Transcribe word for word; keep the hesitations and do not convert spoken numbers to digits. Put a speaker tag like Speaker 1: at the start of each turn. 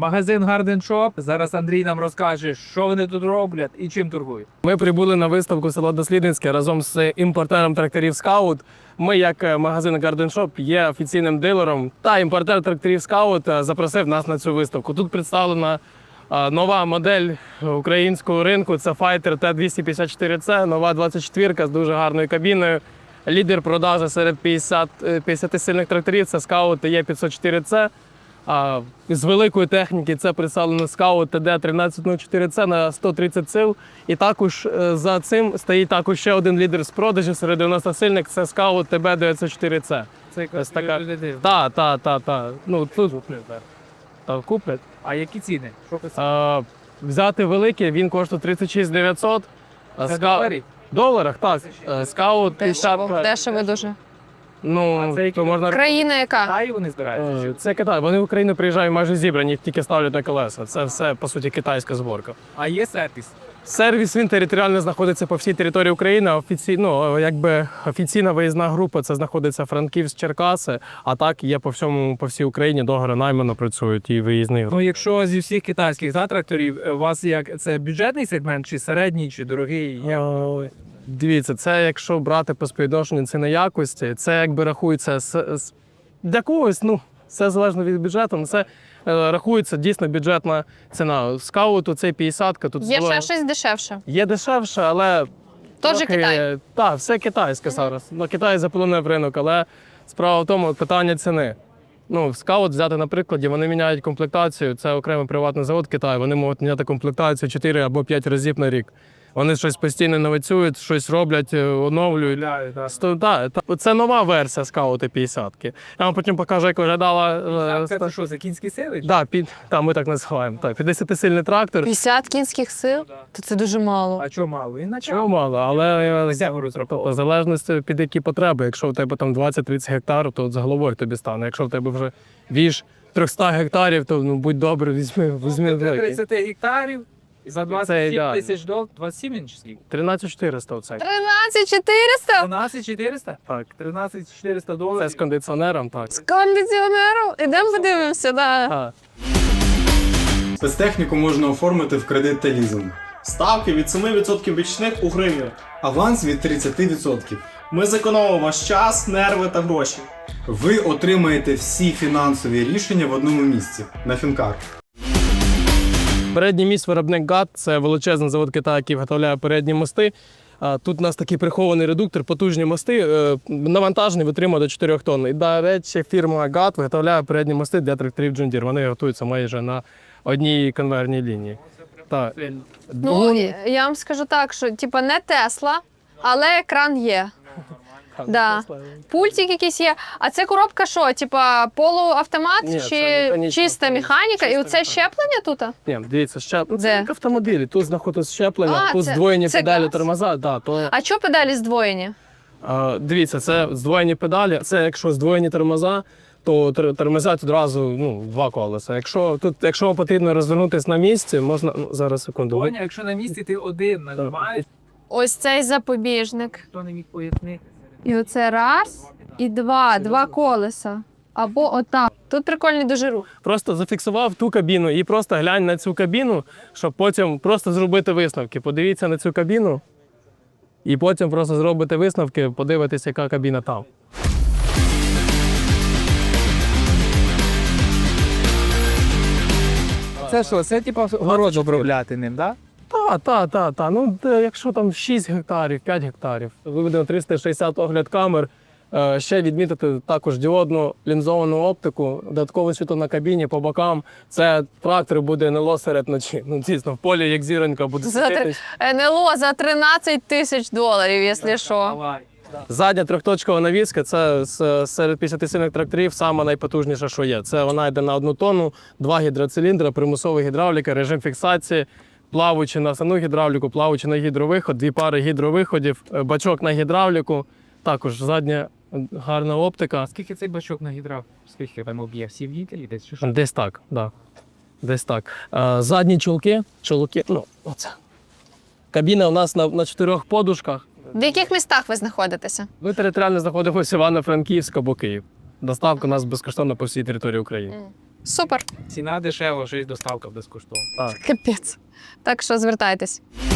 Speaker 1: Магазин Garden Shop. Зараз Андрій нам розкаже, що вони тут роблять і чим торгують.
Speaker 2: Ми прибули на виставку село Дослідницьке разом з імпортером тракторів Скаут. Ми, як магазин Garden Shop, є офіційним дилером. Та імпортер тракторів Скаут запросив нас на цю виставку. Тут представлена нова модель українського ринку. Це Fighter Т двісті п'ятдесят чотири С, нова двадцять четвірка з дуже гарною кабіною. Лідер продажу серед п'ятдесят сильних тракторів – це Scout Е п'ятсот чотири С. А з великої техніки це представлено Scout Т Д тринадцять нуль чотири С на сто тридцять сил. І також за цим стоїть також ще один лідер з продажу серед дев'яноста сильних – це Scout Т Б дев'ятсот чотири С.
Speaker 1: Це якась
Speaker 2: така.
Speaker 1: така...
Speaker 2: Так, так, так, так. Ну, тут та, куплять.
Speaker 1: А які ціни? Що писати?
Speaker 2: А, взяти великий, він коштує тридцять шість дев'ятсот.
Speaker 1: Це доларів?
Speaker 2: В доларах, так. Скаут
Speaker 3: Дешево, дешево дуже.
Speaker 2: Ну,
Speaker 1: це які?
Speaker 2: то можна...
Speaker 3: Країна яка?
Speaker 1: Китай вони збираються?
Speaker 2: Е, Це Китай. Вони в Україну приїжджають майже зібрані, їх тільки ставлять на колеса. Це все, по суті, китайська зборка.
Speaker 1: А є сервіс?
Speaker 2: Сервіс, він територіально знаходиться по всій території України. Офіці... Ну, якби офіційна виїзна група, це знаходиться Франківськ, Черкаси, а так є по всьому, по всій Україні, договори наймано працюють і виїзні групи.
Speaker 1: Ну, якщо зі всіх китайських да, тракторів, у вас як це бюджетний сегмент, чи середній, чи дорогий?
Speaker 2: Ой. Дивіться, це якщо брати по співвідношенню ціни якості, це якби рахується з, з... для когось, ну, це залежно від бюджету, але це е, рахується дійсно бюджетна ціна. Скауту це п'ятдесятка. Тут
Speaker 3: Є
Speaker 2: було...
Speaker 3: ще щось дешевше.
Speaker 2: Є дешевше, але...
Speaker 3: Тож
Speaker 2: трохи...
Speaker 3: Китай.
Speaker 2: Так, все китайське зараз. Ну, Китай заполонив ринок, але справа в тому, питання ціни. Ну, Скаут взяти на прикладі, вони міняють комплектацію, це окремий приватний завод Китаю, вони можуть міняти комплектацію чотири або п'ять разів на рік. Вони щось постійно новацюють, щось роблять, оновлюють. Сто- та, та. Це нова версія Скаути п'ятдесятки. Я вам потім покажу, як виглядала. е,
Speaker 1: Це
Speaker 2: ста-
Speaker 1: що, за кінські сили?
Speaker 2: Да, під, та, ми так називаємо. Так, п'ятдесятисильний трактор.
Speaker 3: п'ятдесят кінських сил? То це дуже мало.
Speaker 1: А чого мало? І наче
Speaker 2: Чого мало, але
Speaker 1: Зягу розраховував.
Speaker 2: в залежності під які потреби. Якщо у тебе там двадцять-тридцять гектарів, то от з головою тобі стане. Якщо в тебе вже віж триста гектарів, то ну, будь добре, візьми, візьми великий.
Speaker 1: тридцять гектарів за двадцять сім
Speaker 2: ідеально.
Speaker 1: тисяч доларів. двадцять сім чи скільки?
Speaker 2: тринадцять чотириста оцей.
Speaker 3: тринадцять чотириста?
Speaker 1: тринадцять чотириста?
Speaker 2: Так.
Speaker 1: тринадцять чотириста
Speaker 2: Це
Speaker 1: доларів.
Speaker 2: з кондиціонером, так.
Speaker 3: З кондиціонером? Ідемо подивимося, да.
Speaker 2: А.
Speaker 4: Спецтехніку можна оформити в кредит та лізинг.
Speaker 5: Ставки від семи відсотків річних у гривні.
Speaker 4: Аванс від тридцять відсотків.
Speaker 5: Ми зекономимо ваш час, нерви та гроші.
Speaker 4: Ви отримаєте всі фінансові рішення в одному місці на Фінкар.
Speaker 2: Передній міст виробник ГАТ – це величезний завод Китаю, який виготовляє передні мости. А Тут у нас такий прихований редуктор, потужні мости, е, навантажені, витримує до чотирьох тонн. І, до речі, фірма ГАТ виготовляє передні мости для тракторів John Deere. Вони готуються майже на одній конвейерній лінії. Так.
Speaker 3: Ну, я вам скажу так, що типа не Тесла, але екран є. Да. Пультик якийсь є. А це коробка що? Типа полуавтомат
Speaker 2: Ні, це
Speaker 3: чи
Speaker 2: механічна
Speaker 3: чиста
Speaker 2: коробка.
Speaker 3: механіка? І
Speaker 2: Чиста
Speaker 3: оце
Speaker 2: механіка.
Speaker 3: щеплення тут?
Speaker 2: Ні, дивіться, щеп... ну, це
Speaker 3: Де?
Speaker 2: як автомобілі. Тут знаходиться щеплення,
Speaker 3: А,
Speaker 2: тут
Speaker 3: це-
Speaker 2: здвоєні
Speaker 3: це
Speaker 2: педалі
Speaker 3: газ?
Speaker 2: тормоза. Да, то...
Speaker 3: А чого педалі здвоєні?
Speaker 2: А, дивіться, це здвоєні педалі. Це якщо здвоєні тормоза, то тр- тормозять одразу ну, два колеса. Якщо тут, якщо вам потрібно розвернутися на місці, можна ну, зараз секунду.
Speaker 1: Тоня, якщо на місці ти один нажимаєш,
Speaker 3: Ось цей запобіжник.
Speaker 1: хто не міг пояснити.
Speaker 3: І оце раз, і два, два колеса. Або отак. Тут прикольний дуже рух.
Speaker 2: Просто зафіксував ту кабіну і просто глянь на цю кабіну, щоб потім просто зробити висновки. Подивіться на цю кабіну і потім просто зробите висновки, подивитися, яка кабіна там.
Speaker 1: Це що, це типу город обробляти ним, так?
Speaker 2: Так, так, так, так. Ну, де, якщо там шість гектарів, п'ять гектарів, виведено триста шістдесят огляд камер, е, ще відмітити також діодну лінзовану оптику, додаткове світло на кабіні, по бокам. Це трактор буде НЛО серед ночі. Ну, дійсно, в полі, як зіронька, буде
Speaker 3: За, три-
Speaker 2: світитись.
Speaker 3: ен ел о за тринадцять тисяч доларів, якщо що.
Speaker 1: Давай.
Speaker 2: Задня трьохточкова навіска – це з- серед п'ятдесятисильних тракторів саме найпотужніше, що є. Це вона йде на одну тонну, два гідроциліндри, примусова гідравліка, режим фіксації, плаваючи на саму гідравліку, плаваючи на гідровиход, дві пари гідровиходів, е, бачок на гідравліку, також задня е, гарна оптика.
Speaker 1: Скільки цей бачок нагідрав? Скільки там об'є? Всі в'їтелі десь чи що?
Speaker 2: Десь так, да. Десь так. Е, Задні чулки, чулки, ну, оце. Кабіна у нас на, на чотирьох подушках.
Speaker 3: В яких містах ви знаходитеся?
Speaker 2: Ми територіально знаходимося Івано-Франківськ або Київ. Доставка у нас безкоштовна по всій території України.
Speaker 3: Супер.
Speaker 1: Ціна дешева, ще й доставка безкоштовна.
Speaker 3: Капець. Так що звертайтесь.